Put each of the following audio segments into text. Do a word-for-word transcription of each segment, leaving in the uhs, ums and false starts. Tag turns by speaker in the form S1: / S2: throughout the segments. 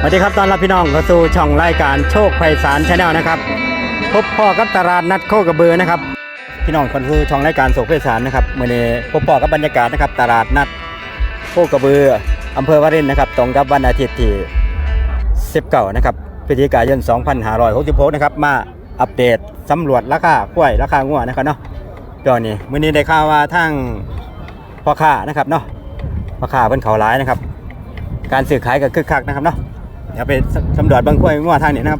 S1: สวัสดีครับตอนรับพี่น้องเข้าสู่ช่องรายการโชคไพศาลชาแนลนะครับพบพ่อกับตลาดนัดโคกระบือนะครับพี่น้องเข้าสู่ช่องรายการโชคไพศาลนะครับเมื่อนี้พบพ่อกับบรรยากาศนะครับตลาดนัดโคกระบืออำเภอวารินนะครับตรงกับวันอาทิตย์ที่สิบเก้านะครับพฤศจิกายนสองพันห้าร้อยหกสิบหกนะครับมาอัปเดตสำรวจราคากล้วยราคางัวนะครับเนาะตอนนี้มื่อนี้ได้ข่าวว่าทางพ่อค้านะครับเนาะพ่อค้าเพิ่นเขาร้ายนะครับการซื้อขายก็คึกคักนะครับเนาะเดี๋ยวไปสำรวจบางกล้วยงัวทางนี้นะครับ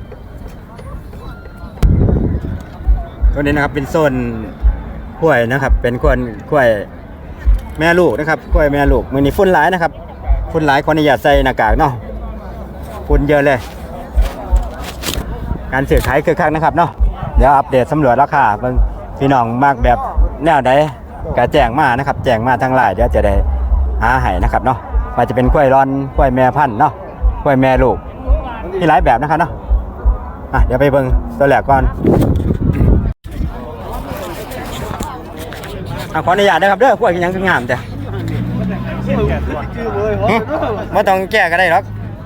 S1: ตัวนี้นะครับเป็นโซนกล้วยนะครับเป็นกล้วยกล้วยแม่ลูกนะครับกล้วยแม่ลูกมือนี้ฝุ่นหลายนะครับฝุ่นหลายคนอย่าใส่หน้ากากเนาะฝุ่นเยอะเลยการซื้อขายคึกคักนะครับเนาะเดี๋ยวอัปเดตสำรวจราคาบางพี่น้องมากแบบแนวใดก็แจ้งมานะครับแจ้งมาทางไลน์เดี๋ยวจะได้หาให้นะครับเนาะว่าจะเป็นกล้วยร้อนกล้วยแม่พันธุ์เนาะกล้วยแม่ลูกมีหลายแบบนะครับเนาะอ่ะเดี๋ยวไปเบิ่งตัวแรกก่อนอ่ะขออนุญาตนะครับเด้อกล้วยยังงามแต่ไม่ต้องแก้ก็ได้หรอก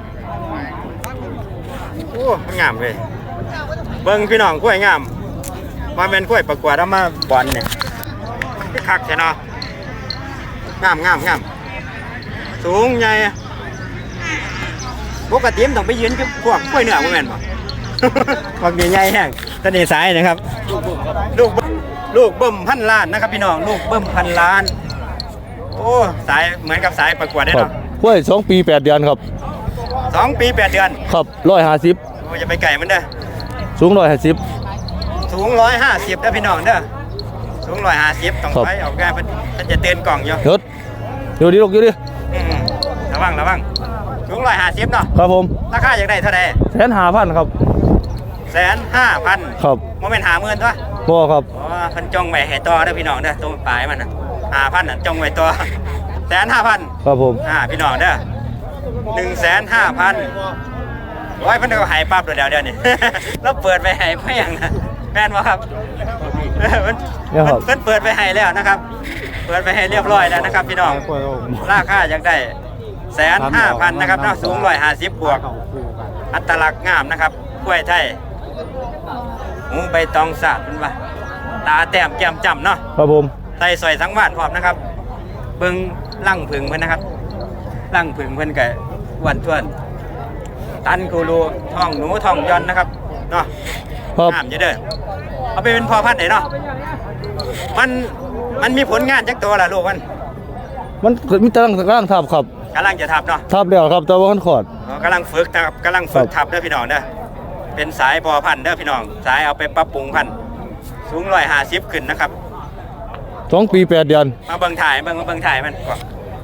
S1: โอ้งามเลยเบิ่งพี่น้องกล้วยงามมาเป็นกล้วยประกวดเอามาบอลเนี่ยคักใช่เนาะงามงามงามสูงใหญ่ปกติมันต้องไปยืนกับพวกกล้วยเนื้อพวกแม่นบ่ พวกใหญ่ๆแห้งตะนี่สายนะครับลูกลูกเบิ่มพันล้านนะครับพี่น้องลูกเบิ่มพันล้านโอ้สายเหมือนกับสายประกวดได้เนาะ
S2: กล้วยสองปีแปดเดือนครับ
S1: สองปีแปดเดือน
S2: ครับร้อยห้าสิบ
S1: โอ้จะไปไก่มันเด้อ
S2: สูงร้อยห้าสิบ
S1: สูงร้อยห้าสิบนะพี่น้องเด้อสูงร้อยห้าสิบต้องไปออกงานเพิ่นเพิ่นจะเตือนกล่องอยู่
S2: ยศอยู่ดิลูกอยู่ดิ
S1: ระวังระวังสูงร้อยห้าสิบเนาะ
S2: ครับผม
S1: ราคาอยากได้เท่าไหร่
S2: แสนห้าพันครับ
S1: แสนห้าพัน
S2: ครับ
S1: โมเมนต์หาเงินตัว
S2: บ่ครับ
S1: อ๋อเพิ่นจงไว้ให้ต่อเด้อพี่น้องเด้อตัวปลายมันน่ะห้าพันน่ะจงไว้ต่อแสนห้าพัน
S2: ครับผม
S1: อ่าพี่น้องเด้อหนึ่งแสนห้าพันโอ้ยเพิ่นก็หายปั๊บเดี๋ยวเดี๋ยวนี่ แล้วเปิดไปให้เพียงนะแม่นบ่ครับเพิ่นเพิ่นเปิดไปให้แล้วนะครับเปิดไปให้เรียบร้อยแล้วนะครับพี่น้องราคาอยากได้แสนห้าพันนะครับเนาะสูงร้อยห้าสิบบวกอัตลักษณ์งามนะครับกล้วยไทยหูใบตองสาดเป็นว่าตาแต้มแก้มจ้ำเนาะ
S2: ครับผม
S1: ไตสอยสังวาสพร้อมนะครับเบิ่งลั่งผึ่งเพิ่นนะครับลั่งผึ่งเพิ่นก็อ้วนท้วนตันกูรูท้องหนูท้องย้อนนะครับเนาะงามอยู่เด้อเอาไปเป็นพ่อพันธุ์ได้เนาะมันมันมีผลงานจักตัวล่ะลูกมัน
S2: มันมีตารางตารางทับครับ
S1: กำลังจะทับเนาะ
S2: ทับแล้วครับแต่ว่ามันขอด
S1: กำลังฝึกนะครับกำลังฝึกทับเด้อพี่น้องเด้อเป็นสายพ่อพันธุ์เด้อพี่น้องสายเอาไปปรับปรุงพันธุ์สูงร้อยห้าสิบขึ้นนะครับ
S2: สองปีแปดเดือน
S1: มาเบิ่งถ่ายเบิ่งมาเบิ่งถ่ายมันก่อน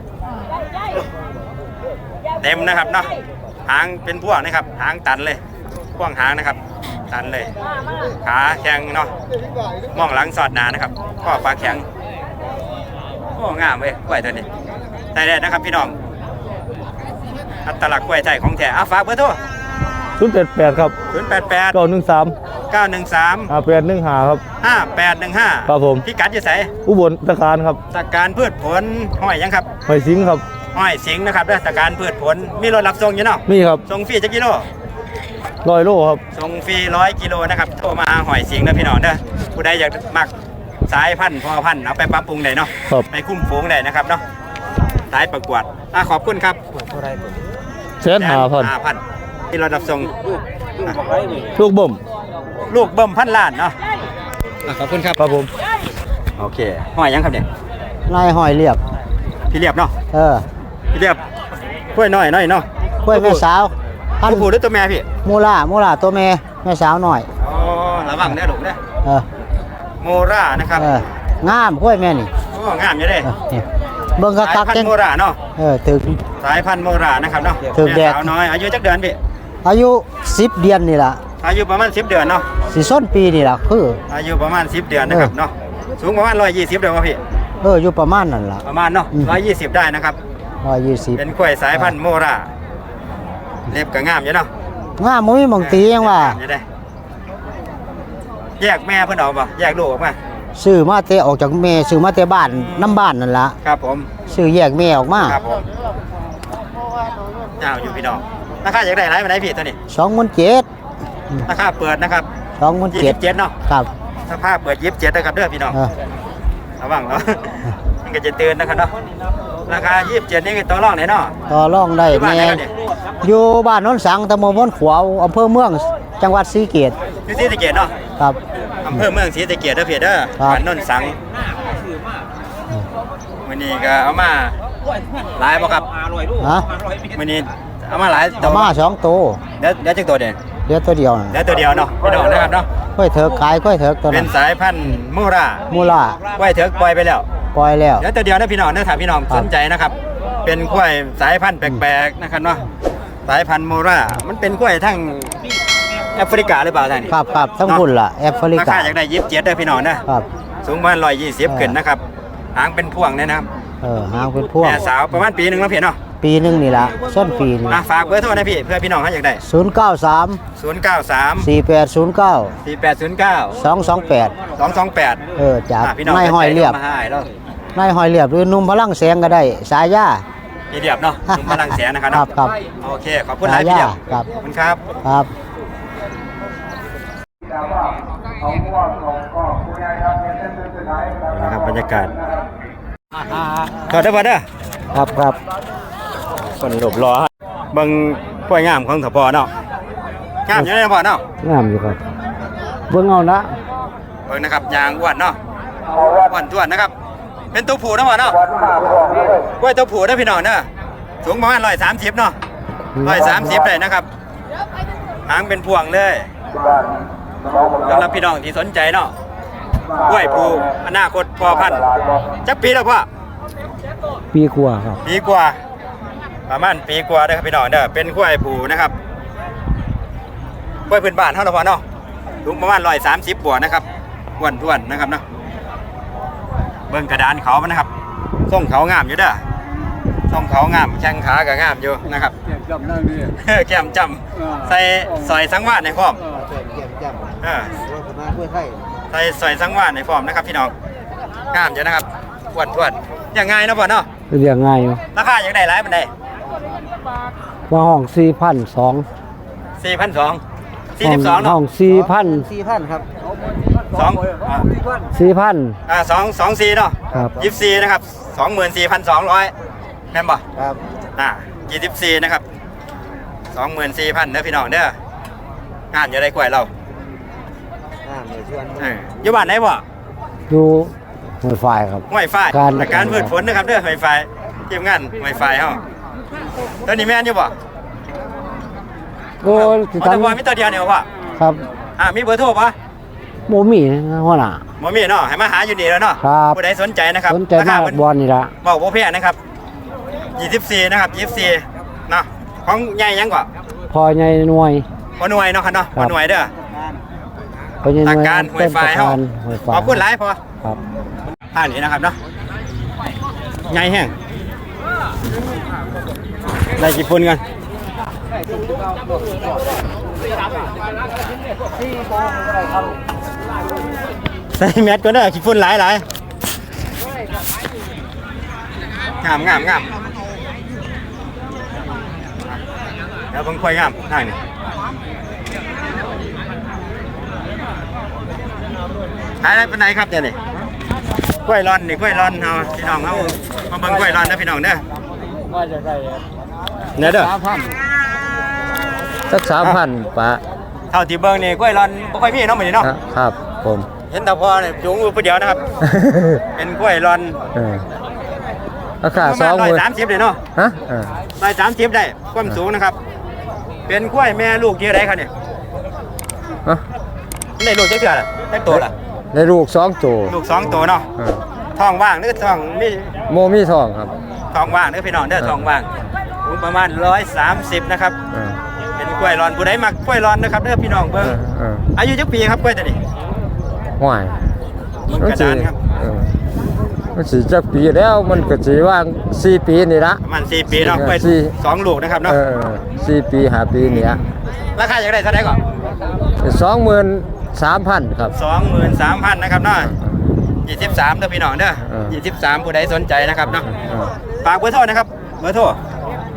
S1: เต็มนะครับเนาะหางเป็นพวกนะครับหางตันเลยพวงหางนะครับตันเลยขาแข็งเนาะมองหลังสอดหนานะครับข้อปลาแข็งโอ้งามเว้ยกล้วยตัวนี้ใส่ได้นะครับพี่น้องอัตลักษณ์กล้วยไทยของแท้อ่ะฝากเบอร์โทร
S2: ศูนย์แปดแปดครับ
S1: ศูนย์แปดแปด
S2: เก้าหนึ่งสาม
S1: เก้าหนึ่งสาม
S2: ห้าแปดหนึ่งห้าครับ
S1: ห้าแปดหนึ่งห้า
S2: ครับผม
S1: พี่กัดจะใส่
S2: อุบลตะการครับ
S1: ตะการพืชผลห้อยยังครับ
S2: ห้อยสิงครับ
S1: ห้อยสิงนะครับด้วยตะการพืชผลมีรถรับส่งอยู่เนาะ
S2: มีครับ
S1: ส่งฟรีจักกิโล
S2: ร้อยโลครับ
S1: ส่งฟรีร้อยกิโลนะครับโทรมาหอยสิงนะพี่น้องเด้อผู้ใดอยากมักสายพันธุ์พอพันธุ์เอาไปปรับปรุงได้เนาะไปคุ้มฝูงได้นะครับเนาะสายประกวดอ่ะขอบคุณครับ
S2: แสนห้าพัน
S1: ห้าพันที่เรารับส่ง
S2: ลูกบ่ม
S1: ลูกเบิ่มพันล้านเนาะขอบคุณครับ
S2: ครับผม
S1: โอเคหอยยังครับเนี่ย
S3: นายหอยเรียบ
S1: พี่เรียบเนาะ
S3: เออ
S1: พี่เรียบกล้วยน้อยน้อยเนาะ
S3: กล้วยแม่สาว
S1: พันผู้หรือตัวแม่พี่
S3: โมล่าโมล่าตัวแม่แม่สาวหน่อย
S1: อ๋อระวังได้หลงได้
S3: เออ
S1: โมล่านะครับ
S3: เอองามกล้วยแม่นี่
S1: โอ้งามอยู่เด้
S3: เบิ่งคักๆ
S1: สายพันธุ์โมล่าเนาะ
S3: เออถึง
S1: สายพันธุ์โมล่านะครับเนาะ
S3: ถึงแดด
S1: สาวน้อยอายุจักเดือนพี่
S3: อายุสิบเดือนนี่ล่ะ
S1: อายุประมาณสิบเดือนเนาะ
S3: สิส้นปีนี่ล่ะคือ
S1: อายุประมาณสิบเดือนนะครับเนาะสูงประมาณร้อยยี่สิบเดือนวะพี่
S3: เอออยู่ประมาณนั่นล่ะ
S1: ประมาณเนาะร้อยยี่สิบได้นะครับ
S3: ร้อยยี่สิบ
S1: เป็นกล้วยสายพันธุ์โมราเล็บก็งามอยู่เนาะ
S3: งามมุ้ยมองตียังว่า
S1: แยกแม่เพิ่นออกป่ะแยกลูกออกมา
S3: ซื้อมาเตะออกจากแม่ซื้อมาเตะบ้านน้ำบ้านนั่นล่ะ
S1: ครับผม
S3: ซื้อแยกแม่ออกมา
S1: ครับผมเจ้าอยู่พี่น้องราคาอยากได้หลายปานใดพี่ตัวนี้
S3: สองหมื่นเจ็ด
S1: ราคาเปิดนะครับ
S3: สองหมื่น
S1: ยี่
S3: เจ็ด
S1: สิบเจ็ดเนาะ
S3: ครับ
S1: ราคาเปิดยี่สิบเจ็ดนะครับเด้อพี่น้อง
S3: เออ
S1: ระวังเนาะ มันก็จะเตือนนะครับเนาะราคายี่สิบเจ็ดนี่คือตัวรองไหนเนาะ
S3: ต่อรองได้
S1: อยู่บ้านไหน
S3: แม่
S1: ครับเนี่ย
S3: อยู่บ้านโนนสังตำบลโนนขวาวอำเภอเมืองจังหวัดศรีเกต
S1: อยู่ศรีสะเกษเนาะ
S3: ครับ
S1: อำเภอเมืองศรีสะเกษเด้อพี่เด้อ
S3: ครับ
S1: บ้านโนนสังมื้อนี้ก็เอามาหลายบ่ครับ
S3: ฮะ
S1: มื้อนี้เอามาหลาย
S3: ตะมาสองตัว
S1: เดี๋ยวเดี๋ยวจักตัวเด่น
S3: เดี๋ยวตัวเดียวน่ะ
S1: เดี๋ยวตัวเดียวเนาะพี่น้องนะครับเนาะ
S3: ค่อยเถิกขายค่อยเถิกตัว
S1: เป็
S3: นั้น น
S1: สายพันธุ์มูรา
S3: มูลา
S1: ไว้เถอะปล่อยไปแล้ว
S3: ปล่อยแล้ว
S1: เดี๋ยวตัวเดียวนะพี่น้องเด้อถ้าพี่น้อง
S3: ครับ
S1: สนใจนะครับ เป็นกล้วยสายพันธุ์แปลกๆนะครับเนาะสายพันธุ์มูรามันเป็นกล้วยทั้งแอฟริกาหรือเปล่าท่าน
S3: ครับครับทั้งพุ่นล่ะแอฟริ
S1: ราก
S3: า
S1: คาอยากได้ยิบเจ็ดเด้อพี่น้องนะครับ สูงประมาณร้อยยี่สิบขึ้นนะครับหางเป็นพวงเนี่ยนะครับ
S3: เออหางเป็นพวก
S1: แม่สาวประมาณปีหนึ่งแล้วพี่เนาะ
S3: ปีหนึงนี่ล่ะส้นปีนี่
S1: อ่ะฝากเบอร์โทรนะพี่เพื่อพี่น้องเขาอยากได้
S3: ศูนย์เก้าสาม
S1: ศูนย์เก้าสาม
S3: สี่แปดศูนย์เก้า
S1: สี่แปดศูนย์เก้า
S3: สองสองแปด
S1: สองสองแปด
S3: เออจาก
S1: พี่น้อง
S3: นายห้อยเรียบ
S1: มาให้แล้ว
S3: นายห้อยเรียบหรือนุ่มพลังแสงก็ได้ สายยา
S1: พี่เรียบเนาะหนุ่มพลังแสนนะครับ
S3: ครั
S1: เนาะ
S3: บครับ
S1: โอเคขอบคุณหลายพี่เรียบ
S3: ครับ
S1: ขอบคุณครับ
S3: ครับ
S1: นะครับบรรยากาศขอได้ป่ะเด้อ
S3: ครับครับ
S1: คนหลบรอเบิ่งกล้วยงามของสปอเนาะงามอยู่ในสปอเนาะ
S3: งามอยู่ครับเบิ่งเอานะ
S1: เบิ่งนะครับยางอ้วนเนาะอ้วนท้วนนะครับ เป็นตัวผู้เนาะพ่อเนาะกล้วยตัวผู้เด้อพี่น้องเด้อสูงประมาณร้อยสามสิบเนาะร้อยสามสิบเลยนะครับหางเป็นพวงเลยสำหรับพี่น้องที่สนใจเนาะกล้วยผู้อนาคตพอพันธุ์จักปีแล้วพ่อ
S3: ปีกว่าครับ
S1: ปีกว่าประมาณปีกว่าเด้อครับพี่น้องเด้อเป็นกล้วยผูนะครับกล้วยพื้นบ้านเท่าไหร่พอเนาะสูงประมาณร้อยสามสิบบวกนะครับอ้วนท้วนนะครับเนาะเบิ่งกระดานเขามันนะครับส่งเขางามอยู่เด้อส่งเขางามแข้งขาก็งามอยู่นะครับแก้มจำใส่สอยสังวาสในพร้อมเออใส่สอยสังวาสในพร้อมนะครับพี่น้องงามอยู่นะครับอ้วนท้วนอย่างง่ายเนาะพ่อเนาะ
S3: เรียกง่ายอยู่
S1: ราคาอย่างไรหลายมันได้
S3: ว่าห้องสี่พันสอง
S1: สี่พันสองสี่สิบสอง
S3: ห้
S1: เนาะ
S3: องสี่พัน
S4: สี่พันครับ
S1: สองอ่า
S3: สี่พัน
S1: อ่าสองสองสี่เนาะ
S3: ครับ
S1: ยี่สิบสี่นะครับสองหมื่นสี่พันสองร้อยแม่นบ่
S4: ครับ
S1: อ่ายี่สิบสี่นะครับสองหมื่นสี่พันเด้อพี่น้องเด้องานอยู่ได้กล้วยเรา
S4: อ่าเดี๋ยวชวน
S1: เอออยู่บ้านไหนบ่
S3: ดูหัวไฟครับ
S1: ห้วยไฟ
S3: การ
S1: อาการพืชผลนะครับเด้อห้วยไฟทีมงานห้วยไฟเฮาตัวนี้แม่นอยู่บ่
S3: โอ้ย
S1: อ๋อแต่บ่มีตัวเดียวนี่บ่พ่อ
S3: ครับ
S1: อ่ามีเบอร์โทรป่ะ
S3: โมมี่นะหัวหน้า
S1: บ่มีเนาะให้มาหาอยู่นี่แล้วเนาะ
S3: ครับ
S1: ผู้ใดสนใจนะครับ
S3: สนใจ
S1: ราค
S3: มาก
S1: เพิ่น
S3: บอลนี่ละ
S1: บอกว่าแพงนะครับยี่สิบสี่นะครับยี่สิบสี่เนาะของใหญ่ยังกว่า
S3: พอใหญ่หน่วย
S1: พอหน่วยเนาะครับเนาะ
S3: ค
S1: พ
S3: รั
S1: อบ หน่วยเด้อ
S3: พอใหญ่ห
S1: หลั
S3: น่
S1: ก
S3: วย
S1: การหวยไฟเฮา
S3: หวยไฟ
S1: ขอบคุณหลายพอ
S3: ครับ
S1: ผ่านนี้นะครับเนาะใหญ่แห้งได้กี่ปุ่นกันใส่แมสก่อนเด้อกี่ฝุ่นหลายหลายงามงามงามเดี๋ยวเบิ่งค่อยงามทางนี้ขายได้เป็นไหนครับเดี๋ยวนี้กล้วยร้อนนี่กล้วยร้อนเอาพี่น้องเอามาเบิ่งกล้วยร้อนนะพี่น้องเด้อเนี่ยเด้อ
S3: สักสามพันปะ
S1: เท่าที่เบิ่งนี่กล้วยร้อนบ่ค่อยมีเนาะมื้อนี้เนาะ
S3: ครับผม
S1: เห็นแต่พอเนี่ยจุงอยู่ผู้เดียวนะครับ เป็นกล้วยร้อน
S3: เออราคาสองห
S1: ร้อย
S3: มื่น
S1: สามสิบเลยเนาะ
S3: ฮะเออ
S1: ร้อยสามสิบได้ความสูงนะครับ เป็นกล้วยแม่ลูกกี่ไรครับเนี่ย
S3: ฮะ
S1: ได้ลูกเจ๊เกือล่ะได้ตัวล่ะ
S3: ในลูกสองตัว
S1: ลูกสองตัวเนาะ
S3: เออ
S1: ท้องว่างหรือท้องมี
S3: โมมี่ทองครับ
S1: ท้องว่างหรือพี่น้องเด้อท้องว่างสูงประมาณร้อยสามสิบนะครับ
S3: เออ
S1: เป็นกล้วยร้อนผู้ใดมักกล้วยร้อนนะครับเด้อพี่น้อง
S3: เอ
S1: เบิ่ง
S3: อเออ
S1: อายุจักปีครับกล้วยตัวนี้
S3: ห่วย
S1: มันกระดานครับ
S3: เออมันสีจักปีแล้วมันก็สีว่างสี่ปีนี่ละ
S1: ประมาณสี่ปีเนาะกล้วย
S3: สี่
S1: สองลูกนะครับเนาะ
S3: เออสี่ปีห้าปีนี่ละ
S1: ราคาอยากได้เท่าไหร่ก่อน
S3: สองหมื่นสามพันครับ
S1: สองหมื่นสามพันนะครับเนาะยี่สิบสามเด้อพี่น้องเด้อ
S3: เออ
S1: ยี่สิบสามผู้ใดสนใจนะครับเนาะ
S3: เออ
S1: ฝากเบอร์โทรนะครับเบอร์โทร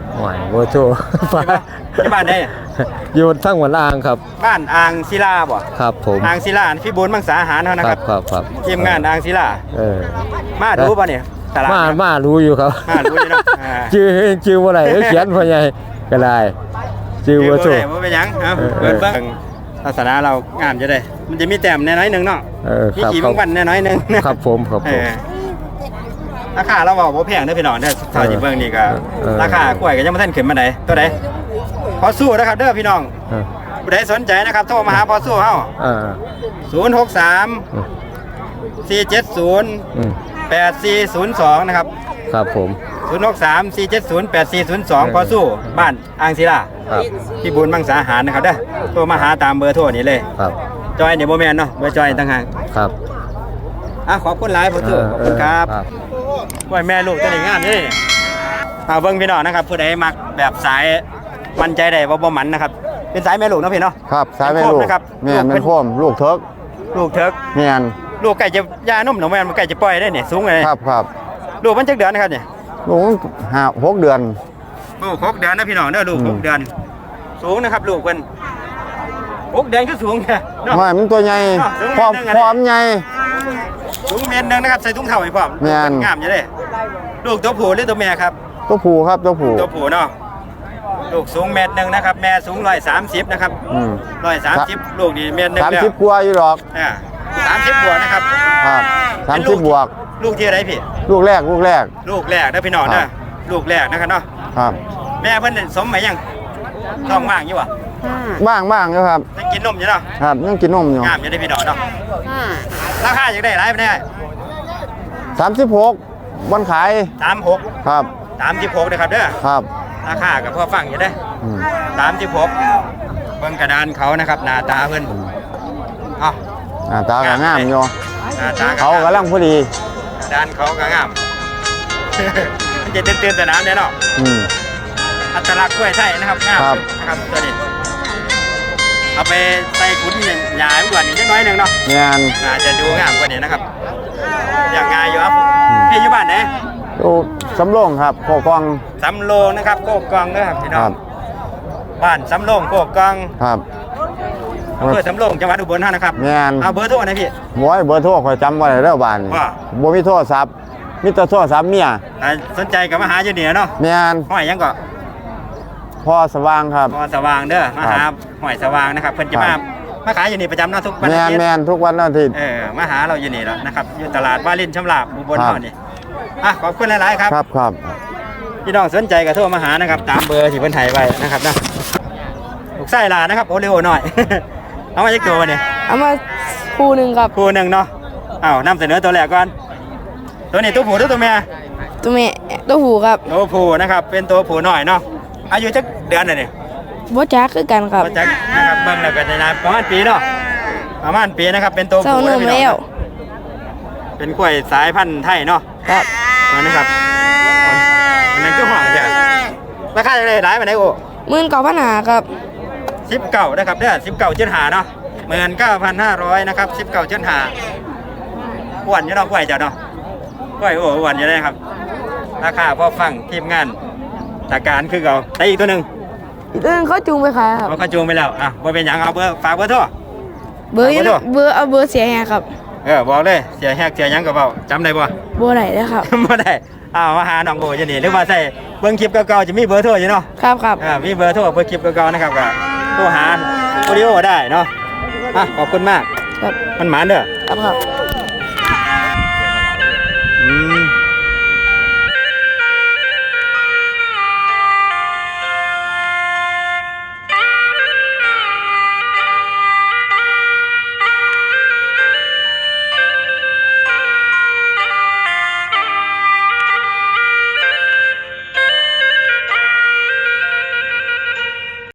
S3: หวายโบโจ
S1: ที่บ้านได้
S3: อยู่ทั้งหัวล่างครับ
S1: บ้านอ่างศิลาบ่
S3: ครับผม
S1: อ่างศิลาพี่บุญมังสาหารเฮานะ
S3: ค
S1: ค
S3: รั
S1: รั
S3: บบ ครับครับ
S1: ทีมงานอ่างศิลา
S3: เออ
S1: มาดูป่ะเนี่ยตลาด
S3: มา
S1: เนี่ย
S3: มารู้อยู่ครับ
S1: มารู้อยู่เนาะอ่า
S3: ชื่อชื่อว่าอะไรเขียนพ่อใหญ่ก็ได้ชื่อ
S1: คือ
S3: โบ
S1: บ่
S3: โจ
S1: ได้บ่เป็นหยังเอา
S3: เออ
S1: เปิดเบิ่งศาสนาเรางามจะได้ มันจะมีแต้มแน่น้อยหนึงเนาะ
S3: เออ
S1: มี
S3: ครับ
S1: กี่
S3: ครับ
S1: บางวันแน่น้อยหนึง
S3: ครับผมครับ
S1: เอ
S3: ผม
S1: อราคาเราบอกบ่แพงเด้อพี่น้องเด้อเท่าที่เบิ่งนี่ก็
S3: เออ
S1: ราคากล้วยก็ยังบ่ทันขึ้นมาไดตัวใดพอสู้นะครับเด้อพี่น้อง
S3: เออ
S1: ผู้ใดสนใจนะครับโทรมาหาพอสู้เฮา
S3: เออ
S1: ศูนย์ หก สาม
S3: อืม
S1: สี่ เจ็ด ศูนย์
S3: อืม
S1: แปด สี่ ศูนย์ สองนะครับ
S3: ครับผม
S1: ศูนย์ หก สาม สี่ เจ็ด ศูนย์ แปด สี่ ศูนย์ สองพอสู้บ้านอ่างศิลา
S3: ครับ
S1: พี่บุญมังสาหารนะครับเด้อโทรมาหาตามเบอร์โทรนี้เลย
S3: ครับ
S1: จอยเนี่ยบ่แม่นเนาะเบอร์จอยต่างหาก
S3: ครับ
S1: อ่ะขอบคุณหลายพอสู้ขอบคุณครับกล้วยแม่ลูกตัวนี้งามเด้อเอาเบิ่งพี่น้องนะครับผู้ใดมักแบบสายมั่นใจได้ว่าบ่หมันนะครับเป็นสายแม่ลูกเนาะพี่เนาะ
S3: ครับสายแม่ลูก
S1: นะครับ
S3: แม่นแม่นโคมลูกเทิก
S1: ลูกเถิก
S3: แม่น
S1: ลูกไก่จะยานมหนูแม่นมันไก่จะปล่อยได้เนี่ยสูงเลย
S3: ครับครับ
S1: ลูกมันจักเดือนนะครับเนี่ย
S3: ลูกห้าหกเดือน
S1: ลูกหกเดือนนะพี่น้องเด้อลูก
S3: อืม
S1: หกเดือน สูงนะครับลูกเพิ่นหกเดือนก็สูงแค่เนาะ
S3: ไม่มันตัวใหญ่
S1: อ้าวถึง
S3: พร้อม
S1: เดือนหนึ่งอะ
S3: พร้อมใหญ่
S1: สูงเมตรหนึงนะครับใส่ถุงเท้าให้พร้อม
S3: แม่น
S1: งามอยู่เด้ลูกตัวผู้หรือตัวแม่ครับ
S3: ตัวผู้ครับตัวผู้
S1: ตัวผู้เนาะลูกสูงเมตรหนึงนะครับแม่สูงร้อยสามสิบนะครับ
S3: อืม
S1: ร้อยสามสิบลูกนี่เมตรหนึง
S3: สาม
S1: แล้ว
S3: สิบกว่าอยู่หรอก
S1: อ่าสามสิบบวกนะครับ
S3: ครับสามสิบบวก
S1: ลูกที่อะไรพี่
S3: ลูกแรกลูกแรก
S1: ลูกแรกนะพี่น้อง
S3: ครั
S1: นะ
S3: บ
S1: ลูกแรกนะครับเนาะ
S3: ครับ
S1: แม่เพิ่นสมไหมยังท้องว่างอยู่วะ
S3: บ้างบ้างอยู่ครับ
S1: ยังกินนมอยู่เนาะ
S3: ครับยังกินนมอยู่
S1: งามอยู่ได้พี่น้องเนาะราคาอยากได้หลายไปได้
S3: สามสิบหกวันขาย
S1: สามหก
S3: ครับ
S1: สามสิบหกนะครับเด้อ
S3: ครับ
S1: ราคากับพ่อฟังอยู่ได้
S3: อืม
S1: สามสิบหกเบิ่งกระดานเขานะครับหน้าตาเพิ่นเอ้า
S3: หน้าตาก็งามอยู่
S1: หน้าตา
S3: เขากำลังพอดี
S1: กระดานเขาก็งาม มันจะเตือนๆสนามเนี่ยเนาะ
S3: อืม
S1: อัตลักษณ์กล้วยไทยนะครับงาม
S3: ครับ
S1: นะครับตัวนี้เอาไปใส่ขุนหยาๆกว่านี้จักหน้อยหนึงเนาะ
S3: งาน
S1: น่าจะดูงามกว่านี้นะครับอย่างงายอยู่ครับพี่อยู่บ้านไหน
S3: ดูสำโรงครับโคกอง
S1: สำโรงนะครับโคกกองนะครับพี่น้
S3: ค
S1: อ
S3: รั
S1: ง
S3: บ
S1: บ้านสำโรงโคกกอง
S3: ครับ
S1: อำเภอสำโรงจังหวัดอุบลราชนะครับ
S3: งาน
S1: เอาเบอร์โทรหนะพี่
S3: โว้ยเบอร์โทรคอยจำไว้แล้วบ้านนี่
S1: ว่า
S3: บ่มีโทรศัพท์มีแต่โทรศัพท์เมีย
S1: อ่าสนใจกับมาหาอยู่เหนือเนาะ
S3: แม่น
S1: ห้อยหยังก็
S3: พ่อสว่างครับ
S1: พอสว่างเด้อมาหา
S3: ครับ
S1: ห้อยสว่างนะครับเพิ่นจะ
S3: ครั
S1: มา
S3: บ
S1: มาขายอยู่นี่ประจำเนาะทุกวัน
S3: แม่
S1: อาน ทิตย์
S3: แม่นทุกวันอาทิตย์
S1: เออมาหาเราอยู่นี่แล้วนะครับอยู่ตลาดวารินชำราบอุบล
S3: ครับ
S1: เฮานี่อ่ะขอบคุณหลายๆครับ
S3: ครับครับ
S1: พี่น้องสนใจก็โทรมาหานะครับ ตามเบอร์ที่เพิ่นให้ไว้นะครับนะลูกไส้ลานะครับโอเรโอหน่อย เอามาจากตัวเนี่ย
S5: เอามาคู่หนึ่งครับ
S1: คู่หนึ่งเนาะอ้าวนำเสนอตัวแรกก่อนตัวนี้ตัวผู้หรือตัวแม่
S5: ตัวแม่ตัวหูครับ
S1: ตัวผู้นะครับเป็นตัวผู้หน่อยเนาะอายุจักเดือนน่ะนี่
S5: บ่จักคือกันครับ
S1: ก็จักนะครับเบิ่งแล้วก็จะนานประมาณปีเนาะประมาณปีนะครับเป็นตัว
S5: เศร้า
S1: ผู้
S5: เนิ่
S1: นะ
S5: ม
S1: พี่น้อง
S5: แล้ว
S1: เป็นกล้วยสายพันธุ์ไทยเนาะ
S5: ครับ
S1: นั่นนะครับอันนั้นก็หวานจ้ะราคาจะได้หลายปานใดโอ้
S5: หมื่นเก้าพันหาครับ
S1: สิบเก้านะครับเด้อสิบเก้าจุดห้าเนาะหมื่นเก้าพันห้าร้อยนะครับสิบเก้าจุดห้าอ้วนอยู่เนาะกล้วยจ้ะเนาะกล้วยโอ้อ้วนอยู่เลยครับ ราคาพอฟังทีมงานตาการคือเก่าแต่อีกตัวหนึ่ง
S5: อีกตัวหนึงเขาจูงไปขายครับ
S1: เขาก็จูงไปแล้วอ่ะบ่เป็นหยังเอาเบอร์ฝากเบอร์โทร
S5: เบอร์อยู่
S1: เอาเบอร์
S5: เบอร์เอาเบอร์เสียแฮครับ
S1: เออบอกเลยเสียแฮกเสียหยังก็เบาจำได้บ่
S5: เบอร์ไหนนะครับ
S1: บ่ได้อ้าวมาหาน้องโบอยู่นี่หรือว่าใส่เบิ่งคลิปเก่าๆจะมีเบอร์โทรอยู่เนาะ
S5: ครับครับ
S1: อ่ามีเบอร์โทรเบอร์คลิปเก่าๆนะครับก็โทรหาโอริโอได้เนาะอ่ะขอบคุณมาก
S5: ครับ
S1: มันหมานเด้อ
S5: ครับครับ